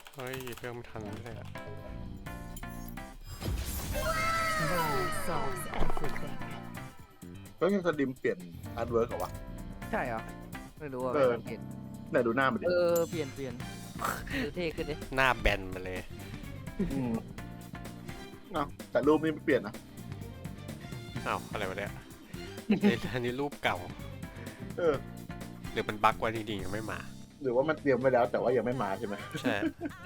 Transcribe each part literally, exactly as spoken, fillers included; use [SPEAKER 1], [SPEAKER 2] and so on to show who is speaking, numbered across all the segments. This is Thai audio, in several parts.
[SPEAKER 1] เฮ้ยเรื่องไม่ทันเลยอะ
[SPEAKER 2] Violence solves everything.
[SPEAKER 3] ก็ยังสลิมเปลี่ยนอาร์ตเวิร์กเหรอวะ
[SPEAKER 4] ใช่เหรอไม่รู้อ่ะ
[SPEAKER 3] เอ
[SPEAKER 4] ไม่
[SPEAKER 3] อ
[SPEAKER 4] สังเกต
[SPEAKER 3] ไหนดูหน้ามันดิ
[SPEAKER 4] เออเปลี่ยนเปลี่ยนดูเท่ขึ้นดิ
[SPEAKER 1] หน้าแบนมาเลย
[SPEAKER 3] อืมเอ้าแต่รูปนี้ไม่เปลี่ยนนะ
[SPEAKER 1] อ้าวอะไรวะเนี่ยนี่อันนี้รูปเก่า
[SPEAKER 3] เออ
[SPEAKER 1] หรือมันบั๊กไว้จริงๆยังไม่มา
[SPEAKER 3] หรือว่ามันเตรียมไว้แล้วแต่ว่ายังไม่มาใช่ไหม
[SPEAKER 1] ใช่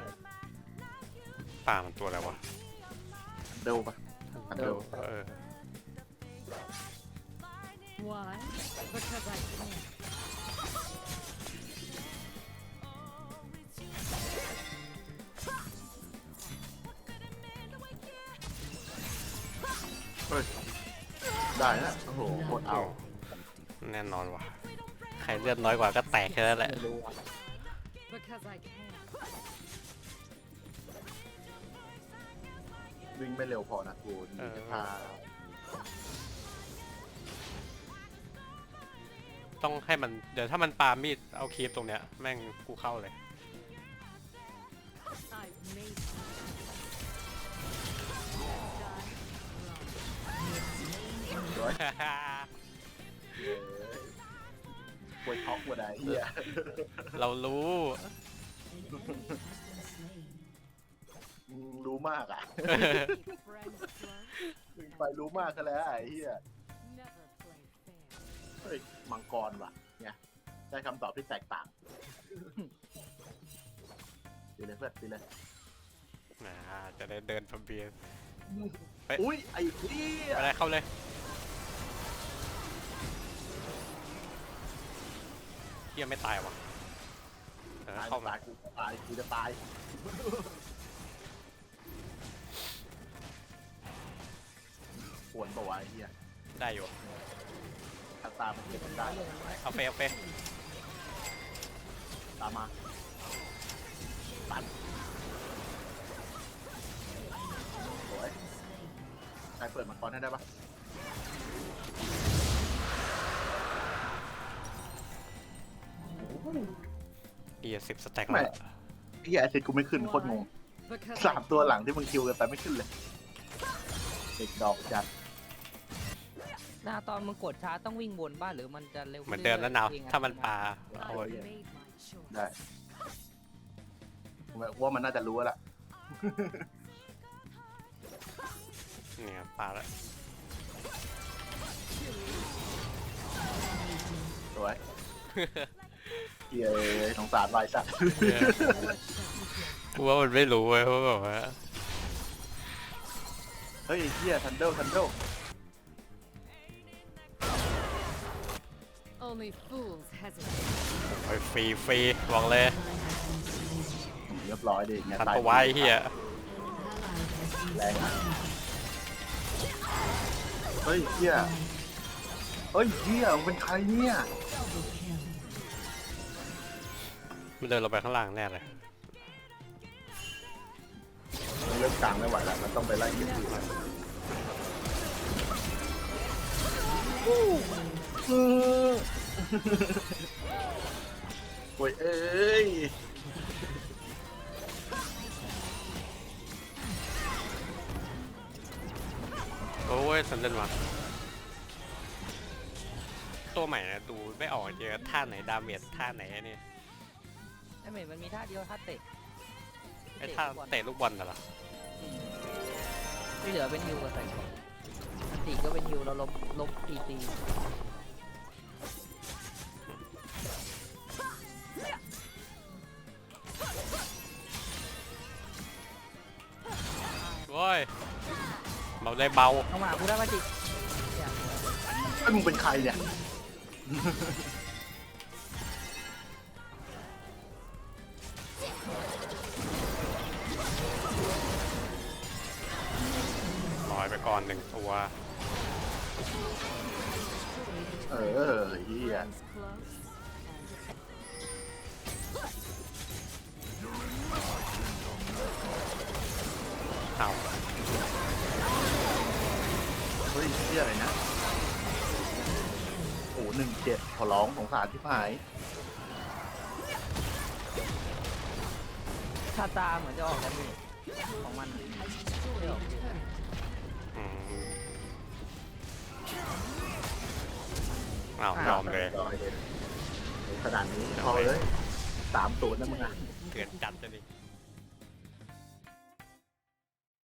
[SPEAKER 1] ป่ามันตัวอะไรวะ
[SPEAKER 3] เร็วปะ
[SPEAKER 1] เออเออ
[SPEAKER 2] Why? Because I can.
[SPEAKER 3] เฮ้ยได้นะโอ้โหโคตรเอา
[SPEAKER 1] แน่นอนว่ะใครเลือดน้อยกว่าก็แตกแค่นั้นแหละ
[SPEAKER 3] ไม่รู้อะ
[SPEAKER 2] Because I can.
[SPEAKER 3] วิ่งไม่เร็วพอนะกูพา
[SPEAKER 1] ต้องให้มันเดี๋ยวถ้ามันปามีดเอาคีบตรงเนี้ยแม่งกูเข้าเลย
[SPEAKER 2] I've made
[SPEAKER 3] ร้อยปวดท็อกปวดอะไรเหี้ย
[SPEAKER 1] เรารู้
[SPEAKER 3] มึงรู้มากอ่ะ
[SPEAKER 2] friends close.
[SPEAKER 3] มึงไปรู้มากซะแล้วไอ้เหี้ย
[SPEAKER 2] Never play fair.
[SPEAKER 3] เฮ้ยมังกรว่ะเนี่ยได้คำตอบที่แตกต่างดีเลยเพื่อนดีเลย
[SPEAKER 1] นะจะได้เดินพเบียน
[SPEAKER 3] อุ้ยไอ้เหี้ย
[SPEAKER 1] อะไรเข้าเลยเฮียไม่ตายวะเออ
[SPEAKER 3] ตาย
[SPEAKER 1] เข้ามา
[SPEAKER 3] ตายกูตายกูจะตายปวดตัวไอ้เหี้ย
[SPEAKER 1] ได้อยู่
[SPEAKER 3] อัตรามันเก็บมันได้
[SPEAKER 1] เอาเฟเอาเฟ
[SPEAKER 3] ตามมาตันสวยใครเปิดมังกรให้ได้ปะ
[SPEAKER 1] เฮียสิบสแต็ก
[SPEAKER 3] ไม่
[SPEAKER 1] แล้ว
[SPEAKER 3] ไอ้เหี้ยไอซิดกูไม่ขึ้นโคตรงง
[SPEAKER 2] Because
[SPEAKER 3] สามตัวหลังที่มึงคิวกันไปไม่ขึ้นเลยเด็กดอกจัด
[SPEAKER 4] หน้าตอนมึงกดช้าต้องวิ่งวนบ้านหรือมันจะเร็ว
[SPEAKER 1] เหมือนเดิมแล้วนาวถ้ามันปา
[SPEAKER 2] I
[SPEAKER 1] เอา
[SPEAKER 2] made my choice.
[SPEAKER 3] ได้ผมว่ามันน่าจะรู้แล้วล่ะ
[SPEAKER 1] เนี่ยปาแล้ว
[SPEAKER 3] สวยเหี้ยสงสารวายสัตว์
[SPEAKER 1] กูว่ามันไม่รู้เว้ยเพราะแบบว่า
[SPEAKER 3] เฮ้ยเหี้ยทันเดิลทันเดิล
[SPEAKER 2] Only fools hesitate.
[SPEAKER 1] โอ้ยฟรีฟรีบอกเลย
[SPEAKER 3] เรียบร้อยดิเนี่ย
[SPEAKER 1] ทัน
[SPEAKER 3] ตาย
[SPEAKER 1] ตัวไว้เฮีย
[SPEAKER 3] แรงอะเฮ้ยเหี้ยเฮ้ยเหี้ยมึงเป็นใครเนี่ย
[SPEAKER 1] มันเดินลงไปข้างล่างแน่เลย
[SPEAKER 3] มันเริ่มกลางไม่ไหวแล้วมันต้องไปไล่เก็บที่มันโอ้ยเอ้ย
[SPEAKER 1] โอ้ยสันเดนว่ะตัวใหม่นะดูไม่ออกเจอท่าไหนดาเมจท่าไหนนี่
[SPEAKER 4] ไอ้เหม็นมันมีท่าเดียวท่าเตะ
[SPEAKER 1] ไอ้ท่าเตะลูกบอลน่ะเหรอ
[SPEAKER 4] ที่เหลือเป็นฮิวกับใส่อันติก็เป็นฮิวเราลบลบตีตี
[SPEAKER 1] โอ้ยเบาได้เบา
[SPEAKER 4] เอามากูได้มาจิ
[SPEAKER 3] ไอ้ยมึงเป็นใครเนี่ย
[SPEAKER 1] ลอยไปก่อนหนึ่งตัว
[SPEAKER 3] เออเฮีย
[SPEAKER 2] Friends close. And
[SPEAKER 1] เอา
[SPEAKER 3] เฮ้ยเฮียอะไรนะ โอ้หนึ่งเจ็ดขอร้องสงสารที่หาย
[SPEAKER 4] คาตาเหมือนจะออกดาเมจของมันไม่ออก
[SPEAKER 1] อืมอ้าวยอมเลย
[SPEAKER 3] รอเลยขนาดนี้พอเลยสามศูนย์นะมึงอ่ะ
[SPEAKER 1] เกิดจัดจะดิ